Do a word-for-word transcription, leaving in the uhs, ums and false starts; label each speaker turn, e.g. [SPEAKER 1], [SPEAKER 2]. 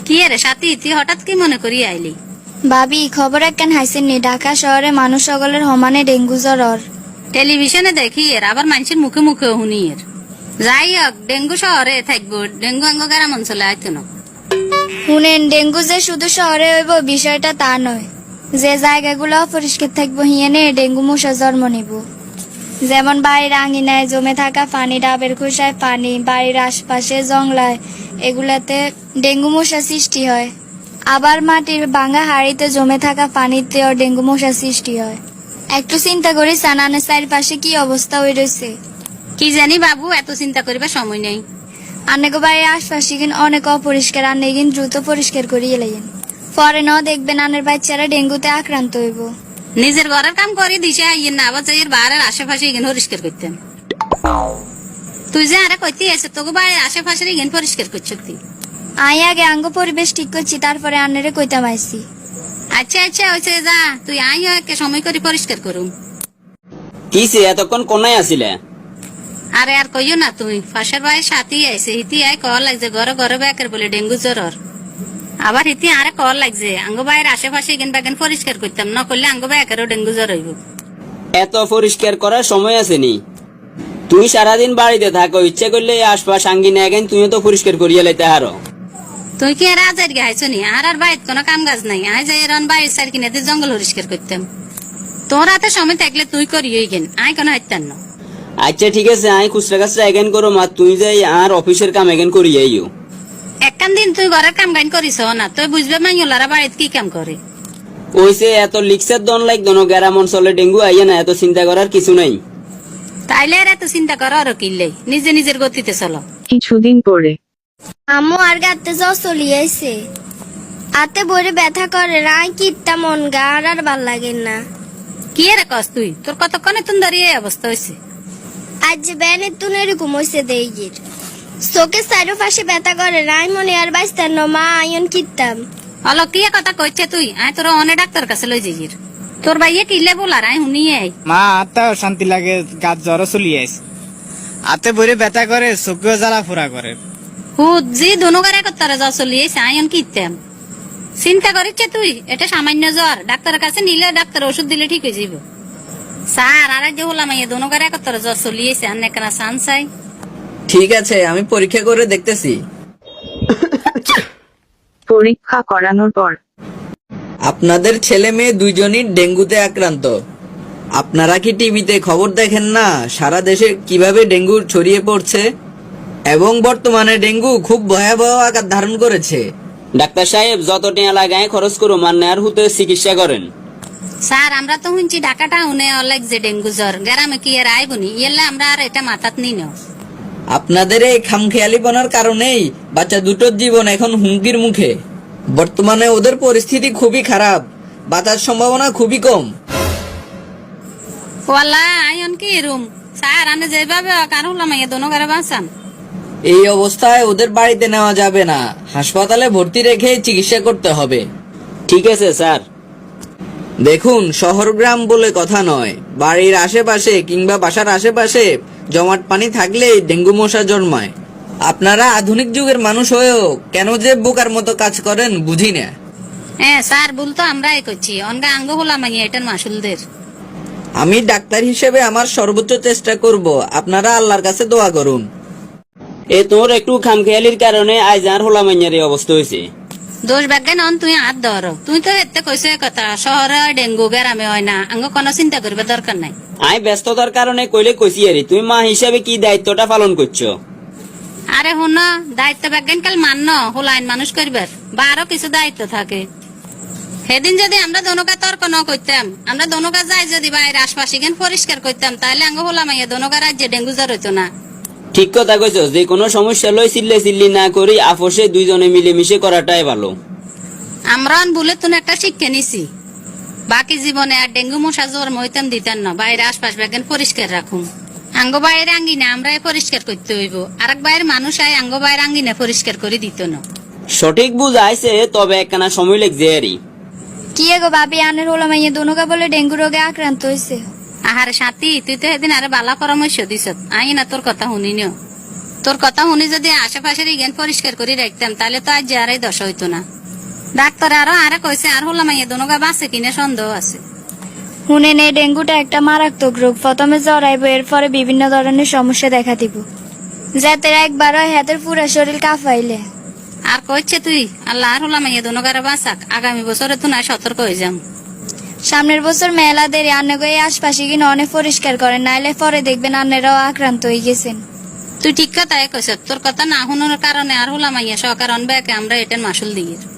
[SPEAKER 1] কি রে সাথী, তুই হঠাৎ কি মনে করি আইলি?
[SPEAKER 2] ভাবি খবর একখান হাইছেননি ঢাকা শহরে মানুষ সকলের সমানে ডেঙ্গু জ্বর ওর।
[SPEAKER 1] টেলিভিশনে দেখি এর, আবার মানুষের মুখে মুখে শুনি এর। যাই হোক, ডেঙ্গু শহরে থাকবো, ডেঙ্গু আঙ্গ গ্রাম অঞ্চলে আইতো না।
[SPEAKER 2] শুনেন, ডেঙ্গু যে শুধু শহরে হইব বিষয়টা তা নয়। যে জায়গাগুলো অপরিষ্কার থাকবো হিয়েনে ডেঙ্গু মশা জন্ম নিব। যেমন বাড়ির আঙিনায় জমে থাকা পানি, ডাবের খোসায় পানি, বাড়ির আশপাশে জংলায়, এগুলাতে ডেঙ্গু মশা সৃষ্টি হয়। আবার মাটির ভাঙা হাড়িতে জমে থাকা পানিতেও ডেঙ্গু মশা সৃষ্টি হয়। একটু চিন্তা করি সানানের চারিপাশে কি অবস্থা হয়ে রয়েছে।
[SPEAKER 1] কি জানি বাবু, এত চিন্তা করিবার সময় নেই।
[SPEAKER 2] আন্নাকে বাড়ির আশপাশে কিন অনেক অপরিষ্কার, আন্নে কিন দ্রুত পরিষ্কার করিয়ে লাইন। পরে ন দেখবেন আনের বাচ্চারা ডেঙ্গুতে আক্রান্ত হইব।
[SPEAKER 1] নিজের ঘরের কাম করে দিছে আইয়ের না, আবার যাই বাড়ির আশেপাশে এখানে পরিষ্কার করতেন। তুই যে আরে কইতে আছে তোকে বাড়ির আশেপাশে এখানে পরিষ্কার করছ তুই?
[SPEAKER 2] আই আগে আঙ্গ পরিবেশ ঠিক করছি, তারপরে আন্নারে কইতাম আইসি।
[SPEAKER 1] আচ্ছা আচ্ছা হয়েছে, যা তুই আই একে সময় করে পরিষ্কার করুম।
[SPEAKER 3] কিসে এতক্ষণ কোনায় আসিলে?
[SPEAKER 1] আরে আর কইও না, তুই ফাঁসের ভাই সাথী আইসে, হিতি আয় কল লাগছে ঘরে ঘরে বেকের বলে ডেঙ্গু জ্বর। আবার হিতি আরে কল লাগছে আঙ্গ বাইরের আশেপাশে এখান বাগান পরিষ্কার করতাম না, করলে আঙ্গ বেকেরও ডেঙ্গু জ্বর হইব।
[SPEAKER 3] এত পরিষ্কার করার সময় আসেনি। তুই সারাদিন বাড়িতে থাকো, ইচ্ছে করলে এই আশপাশ আঙ্গিনে এখন তুইও তো পরিষ্কার করিয়া লাইতে হারো।
[SPEAKER 1] তুই কি আর আজার গে হাইছ নি? আর আর বাড়িতে কোনো কাম কাজ নাই, আয় যাই এরন বাড়ির সাইড কিনে জঙ্গল পরিষ্কার করতাম। তোর হাতে সময় থাকলে তুই করি গেন, আয় কোনো হাইতাম না।
[SPEAKER 3] আচ্ছা ঠিক আছে, আমি খুচরা কাছরা এগেন করো মা, তুই যাই আর অফিসের কাম এগেন করি যাইও।
[SPEAKER 1] একখান দিন তুই ঘরের কাম গাইন করিস না, তুই বুঝবে মাইলারা বাড়িতে কি কাম করে।
[SPEAKER 3] ওইসে এত লিক্সের দন লাইক দন গ্রাম অঞ্চলে ডেঙ্গু আইয়া না, এত চিন্তা করার কিছু নাই।
[SPEAKER 1] তাইলে আর এত চিন্তা করো আরো কিনলে, নিজে নিজের গতিতে চলো।
[SPEAKER 4] কিছুদিন পরে
[SPEAKER 2] আম্মু আর গাতে জ্বর চলিয়েছে, আতে বড়ে ব্যথা করে, রাই কিত্তা মন গা আর আর ভাল লাগে না।
[SPEAKER 1] কি রে কস তুই, তোর কতক্ষণে তুন দাঁড়িয়ে এই অবস্থা হয়েছে?
[SPEAKER 2] আজ ব্যানের তুন এরকম হয়েছে দেইগির চোখের চারো পাশে ব্যথা করে, রাই মনে আর বাঁচতাম না, মা আয়ন কিত্তাম।
[SPEAKER 1] হলো কি কথা কইছে তুই? আয় তোর অনেক ডাক্তার কাছে লই যাইর। তোর ভাইয়ে কিলে বলার আয় শুনিয়ে আই।
[SPEAKER 5] মা আত্মাও শান্তি লাগে, গাছ জ্বর চলি আইছে, আতে বইরে ব্যথা করে, চোখেও জ্বালা ফুরা করে।
[SPEAKER 1] হুদ জি দুনুগারে কত্তারে জ্বর চলিয়েছে আয়ন কিত্তাম। চিন্তা করিচ্ছে তুই? এটা সামান্য জ্বর, ডাক্তারের কাছে নিলে ডাক্তার ওষুধ দিলে ঠিক হয়ে যাব। স্যার আর যে হলাম এই দুনুগারে কত্তারে জ্বর চলিয়েছে, আর নেকনা সান চাই।
[SPEAKER 6] ঠিক আছে, আমি পরীক্ষা করে দেখতেছি।
[SPEAKER 4] পরীক্ষা করানোর পর
[SPEAKER 6] আপনাদের ছেলে মেয়ে দুইজনই ডেঙ্গুতে আক্রান্ত। আপনারা কি টিভিতে খবর দেখেন না সারা দেশে কিভাবে ডেঙ্গু ছড়িয়ে পড়ছে? এবং বর্তমানে ডেঙ্গু খুব ভয়াবহ আকার ধারণ করেছে।
[SPEAKER 3] ডাক্তার সাহেব যত টিয়া লাগায় খরচ করো, মান নেয়ার হুতে চিকিৎসা করেন।
[SPEAKER 1] স্যার আমরা তো শুনছি ঢাকাটা উনে অলেক যে ডেঙ্গু জ্বর, গ্রামে কি আর আইবনি, ইয়েলে আমরা আর এটা মাথাত নি নাও।
[SPEAKER 6] আপনাদের এই খামখেয়ালিপনার কারণেই বাচ্চা দুটোর জীবন এখন হুমকির মুখে। বর্তমানে ওদের পরিস্থিতি খুবই খারাপ, বাঁচার সম্ভাবনা খুবই কম।
[SPEAKER 1] ওয়াল্লা আয়ন কি রুম স্যার, আমি যেভাবে কার হলাম এই দুনুগারে বাঁচান।
[SPEAKER 6] এই অবস্থায় ওদের বাড়িতে নেওয়া যাবে না, হাসপাতালে ভর্তি রেখে চিকিৎসা করতে হবে।
[SPEAKER 3] ঠিক আছে স্যার।
[SPEAKER 6] দেখুন, শহর গ্রাম বলে কথা নয়, বাড়ির আশেপাশে কিংবা বাসার আশেপাশে জমাট পানি থাকলেই ডেঙ্গু মশা জন্মায়। আপনারা আধুনিক যুগের মানুষ হয়েও কেন যে বোকার মতো কাজ করেন বুঝি না।
[SPEAKER 1] হ্যাঁ স্যার, ভুল তো আমরাই করছি, অনগা আঙ্গ হলাম এটার মাসুলদের।
[SPEAKER 6] আমি ডাক্তার হিসেবে আমার সর্বোচ্চ চেষ্টা করব, আপনারা আল্লাহর কাছে দোয়া করুন।
[SPEAKER 3] এ তোর একটু খামখেয়ালির কারণে আজ আর হোলা মাইয়ার এই অবস্থা হয়েছে।
[SPEAKER 1] দোষ ব্যাগে নন তুই হাত ধর, তুই তো এতে কইছে কথা শহরে ডেঙ্গু গ্রামে হয় না, আঙ্গ কোনো চিন্তা করবে দরকার নাই।
[SPEAKER 3] আমি ব্যস্ততার কারণে কইলে কইছি আরে, তুমি মা হিসাবে কি দায়িত্বটা পালন করছো?
[SPEAKER 1] আরে হুন, দায়িত্ব ব্যাজ্ঞান কাল মান্য হোলাইন মানুষ করবার বা আরো কিছু দায়িত্ব থাকে। সেদিন যদি আমরা দনুকা তর্ক ন করতাম, আমরা দনুকা যাই যদি বাইরে আশপাশে গেন পরিষ্কার করতাম, তাহলে আঙ্গ হোলাম দনুকা রাজ্যে ডেঙ্গু জ্বর হইতো না।
[SPEAKER 3] ঠিক কথা কইছো, যে কোনো সমস্যা লই চিল্লে চিল্লি না করি আপোষে দুইজনে মিলেমিশে করাটাই ভালো।
[SPEAKER 1] আমরা বলে তুমি একটা শিক্ষা নিছি, বাকি জীবনে আর ডেঙ্গু মশা জ্বর হইতাম দিতাম না, বাইরে আশপাশ ব্যাগেন পরিষ্কার রাখুন। আঙ্গ বাইরে আঙ্গিনা আমরা পরিষ্কার করতে হইব, আর এক বাইরের মানুষ আয় আঙ্গ বাইরে আঙ্গিনা পরিষ্কার করে দিত না।
[SPEAKER 3] সঠিক বুঝাইছে, তবে একখানা সময় লাগছে আরই।
[SPEAKER 2] কি এগো ভাবি, আনের হলো মাইয়া দনুকা বলে ডেঙ্গু রোগে আক্রান্ত হয়েছে।
[SPEAKER 1] আহারে সাথী, তুই তো সেদিন আরে বালা পরামর্শ দিস, আই না তোর কথা শুনি নিও। তোর কথা শুনি যদি আশেপাশের ইগেন পরিষ্কার করে রাখতাম তাহলে তো আজ যে আর এই দশা হইতো না। ডাক্তার আরো আরে কইছে আর হলাম এই দোনোগা বাঁচে কিনা সন্দেহ আছে।
[SPEAKER 2] শুনেন এই ডেঙ্গুটা একটা মারাত্মক রোগ, প্রথমে জ্বর আইব, এরপরে বিভিন্ন ধরনের সমস্যা দেখা দিব, যাতে একবার হয় হাতের পুরো শরীর কাঁপাইলে।
[SPEAKER 1] আর কইছে তুই আল্লাহ আর হলাম এই দোনোগারে বাঁচাক, আগামী বছরে তো না সতর্ক হয়ে যাম।
[SPEAKER 2] সামনের বছর মেলা দেরি আন্নাকে এই আশপাশে কিনে অনেক পরিষ্কার করেন, নাইলে পরে দেখবেন আন্নারাও আক্রান্ত হয়ে গেছেন।
[SPEAKER 1] তুই ঠিক কথাই কইছ, তোর কথা না শুনোর কারণে আর হলাম সহকার অনব্যাকে আমরা এটার মাসুল দিই।